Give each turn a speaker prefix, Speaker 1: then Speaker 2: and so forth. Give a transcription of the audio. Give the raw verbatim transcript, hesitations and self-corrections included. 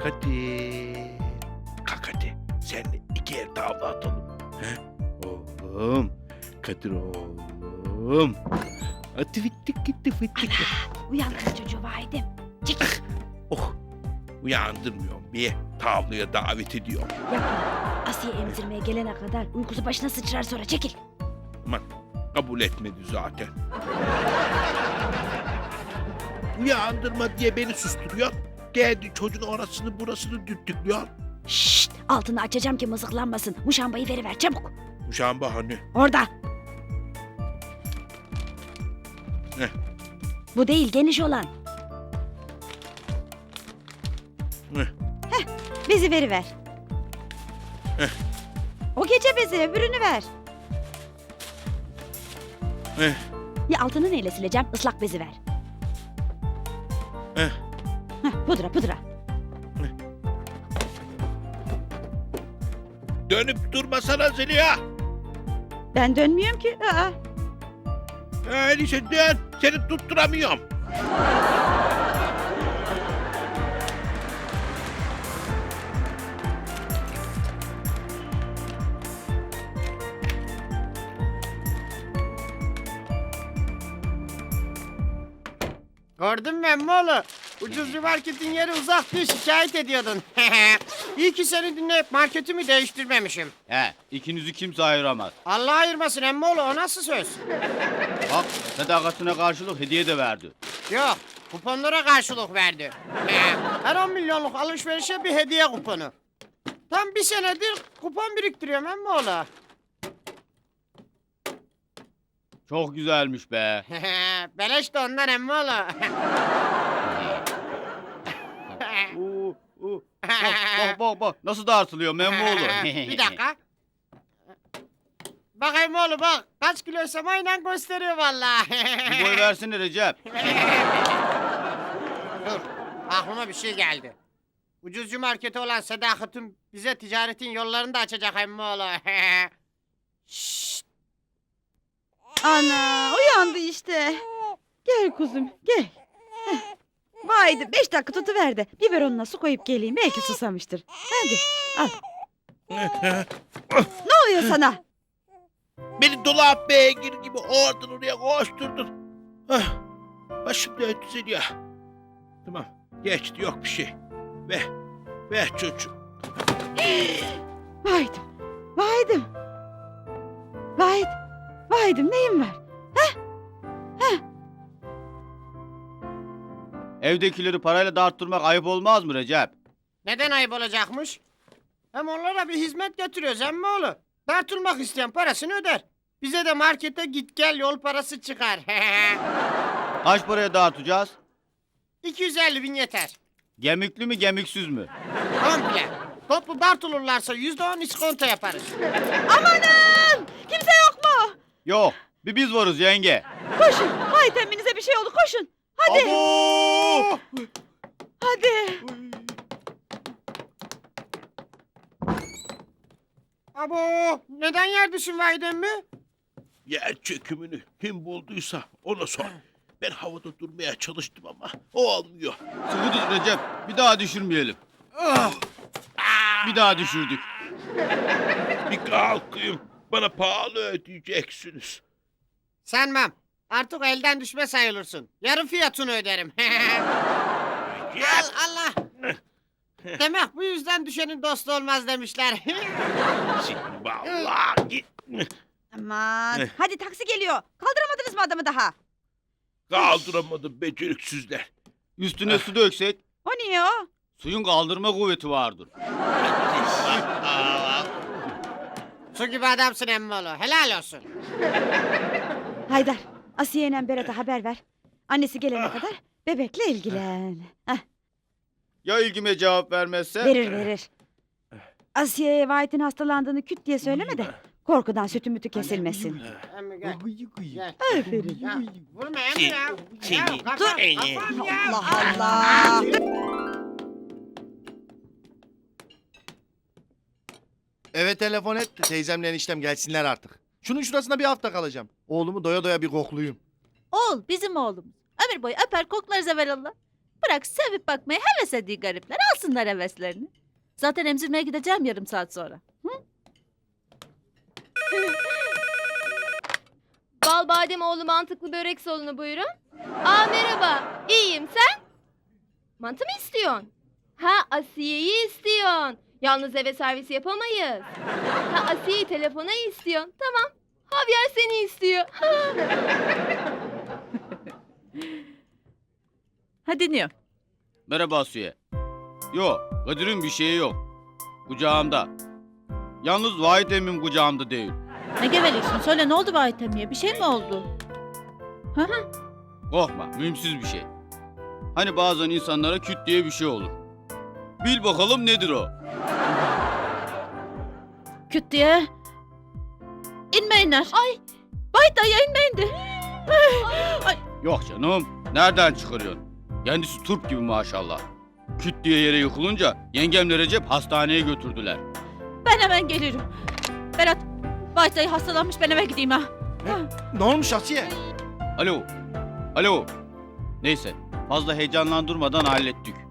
Speaker 1: hadi. Kalk hadi. Seninle iki el tavla atalım. He? Oğlum. Kadir oğlum. Hadi fittik gitti fittik.
Speaker 2: Uyandırın çocuğu Vahit'im. Çekil.
Speaker 1: Oh. Uyandırmıyorum. Bir tavlaya davet ediyorum.
Speaker 2: Yapma. Asiye emzirmeye gelene kadar uykusu başına sıçrar sonra çekil.
Speaker 1: Aman kabul etmedi zaten. Uyandırma diye beni susturuyor. Geldi çocuğun orasını burasını düttüklüyor.
Speaker 2: Şşt, altını açacağım ki mızıklanmasın. Muşambayı veriver çabuk.
Speaker 1: Muşamba hani?
Speaker 2: Orada.
Speaker 1: Ne?
Speaker 2: Bu değil geniş olan.
Speaker 1: Ne?
Speaker 2: Bezi veriver.
Speaker 1: Heh.
Speaker 2: O gece bezi öbürünü ver.
Speaker 1: Eh,
Speaker 2: Ya altını neyle sileceğim? Islak bezi ver.
Speaker 1: eh.
Speaker 2: Heh, pudra pudra.
Speaker 1: Dönüp durmasana Zeliha.
Speaker 2: Ben dönmüyorum ki. Aa.
Speaker 1: Öyleyse dön. Seni tutturamıyorum.
Speaker 3: Gördün mü emmoğlu? Ucuzcu marketin yeri uzak diye şikayet ediyordun. İyi ki seni dinleyip marketimi değiştirmemişim.
Speaker 4: He, ikinizi kimse ayıramaz.
Speaker 3: Allah ayırmasın emmoğlu, o nasıl söz?
Speaker 4: Bak, sadakatine karşılık hediye de verdi.
Speaker 3: Yok, kuponlara karşılık verdi. Her on milyonluk alışverişe bir hediye kuponu. Tam bir senedir kupon biriktiriyorum emmoğlu.
Speaker 4: Çok güzelmiş be.
Speaker 3: Beleş de ondan emmoğlu.
Speaker 4: Oo, oo. Bak, bak, bak, bak. Nasıl dağıtılıyor Memmoğlu.
Speaker 3: Bir dakika. Bak emmoğlu bak, kaç kiloysam aynen gösteriyor vallahi.
Speaker 4: Bir boy versene Recep.
Speaker 3: Dur, aklıma bir şey geldi. Ucuzcu marketi olan Sadakat'ın bize ticaretin yollarını da açacak emmoğlu. Şşşt.
Speaker 5: Ana uyandı işte. Gel kuzum gel. Heh. Vaydi beş dakika tutuver de biberonuna su koyup geleyim belki susamıştır. Hadi al. Ne oluyor sana?
Speaker 1: Beni dolap beygir gibi oradan oraya koşturdun. Ah, başım döndü Zeliha. Tamam geçti yok bir şey. Ver. Ver çocuğum.
Speaker 5: Vaydım. Vaydım. Vayt. Vaydım neyim var?
Speaker 4: Evdekileri parayla dağıttırmak ayıp olmaz mı Recep?
Speaker 3: Neden ayıp olacakmış? Hem onlara bir hizmet getiriyoruz emmoğlu. Dartılmak isteyen parasını öder. Bize de markete git gel yol parası çıkar.
Speaker 4: Kaç paraya dağıtacağız?
Speaker 3: iki yüz elli bin yeter.
Speaker 4: Gemikli mi gemiksiz mi?
Speaker 3: Komple. Toplu dartılırlarsa yüzde on iskonto yaparız.
Speaker 5: Amanın! Kimse yok mu?
Speaker 4: Yok, bir biz varız yenge.
Speaker 5: Koşun. Vayt emminize bir şey oldu koşun. Hadi.
Speaker 4: Abo!
Speaker 5: Hadi.
Speaker 3: Abo neden yer düşün Vahidem mi?
Speaker 1: Yer çökümünü kim bulduysa ona sor. Ben havada durmaya çalıştım ama olmuyor.
Speaker 4: Sıkı tut Recep, bir daha düşürmeyelim. Bir daha düşürdük.
Speaker 1: Bir kalkayım. Bana pahalı ödeyeceksiniz.
Speaker 3: Sanmam. Artık elden düşme sayılırsın. Yarı fiyatını öderim. Al Allah. Demek bu yüzden düşenin dostu olmaz demişler.
Speaker 1: Şimdi vallahi git.
Speaker 5: Aman. Hadi taksi geliyor. Kaldıramadınız mı adamı daha?
Speaker 1: Kaldıramadım beceriksizler.
Speaker 4: Üstüne su döksek,
Speaker 5: O niye o?
Speaker 4: suyun kaldırma kuvveti vardır.
Speaker 3: Su gibi adamsın emmoğlu. Helal olsun.
Speaker 5: Haydar, Asiye ile Berat'a haber ver. Annesi gelene kadar bebekle ilgilen. Heh,
Speaker 4: Ya ilgime cevap vermezse?
Speaker 5: verir verir. Asiye'ye Vahit'in hastalandığını küt diye söyleme de korkudan sütü mütü kesilmesin.
Speaker 3: Emmi gel. Gel.
Speaker 5: Aferin.
Speaker 3: Ya, vurma emmi ya.
Speaker 1: Seni-
Speaker 3: Ya, kafam,
Speaker 1: seni-
Speaker 3: kafam ya.
Speaker 5: Allah Allah.
Speaker 6: Eve telefon et teyzemle eniştem gelsinler artık. Şunun şurasında bir hafta kalacağım. Oğlumu doya doya bir koklayayım.
Speaker 7: Oğul bizim oğlumuz. Ömür boyu öper koklarız evvelallah. Bırak sevip bakmaya heves ediyor garipler. Alsınlar heveslerini. Zaten emzirmeye gideceğim yarım saat sonra.
Speaker 8: Bal badem oğlu mantıklı börek salonu buyurun. Aa merhaba. İyiyim sen? Mantı mı istiyorsun? Ha Asiye'yi istiyorsun. Yalnız eve servis yapamayız. Ha Asiye'yi telefona istiyorsun. Tamam. Javier seni istiyor.
Speaker 7: Ha dinliyorum.
Speaker 4: Merhaba Asiye. Yok, Kadir'in bir şeyi yok. Kucağımda. Yalnız Vahit emmim kucağımda değil.
Speaker 7: Ne geveliyorsun? Söyle ne oldu Vahit emmiye? Bir şey mi oldu?
Speaker 4: Korkma, mühimsiz bir şey. Hani bazen insanlara küt diye bir şey olur. Bil bakalım nedir o?
Speaker 7: Küt diye. İnmeyinler. Ay. Vahit dayıya inmeyin de.
Speaker 4: Yok canım, nereden çıkarıyorsun? Kendisi turp gibi maşallah. Küt diye yere yıkılınca yengemle Recep hastaneye götürdüler.
Speaker 7: Ben hemen gelirim. Berat. Vahit dayı hastalanmış ben eve gideyim ha.
Speaker 6: Ne olmuş Asiye?
Speaker 4: Alo, alo. Neyse, fazla heyecanlandırmadan hallettik.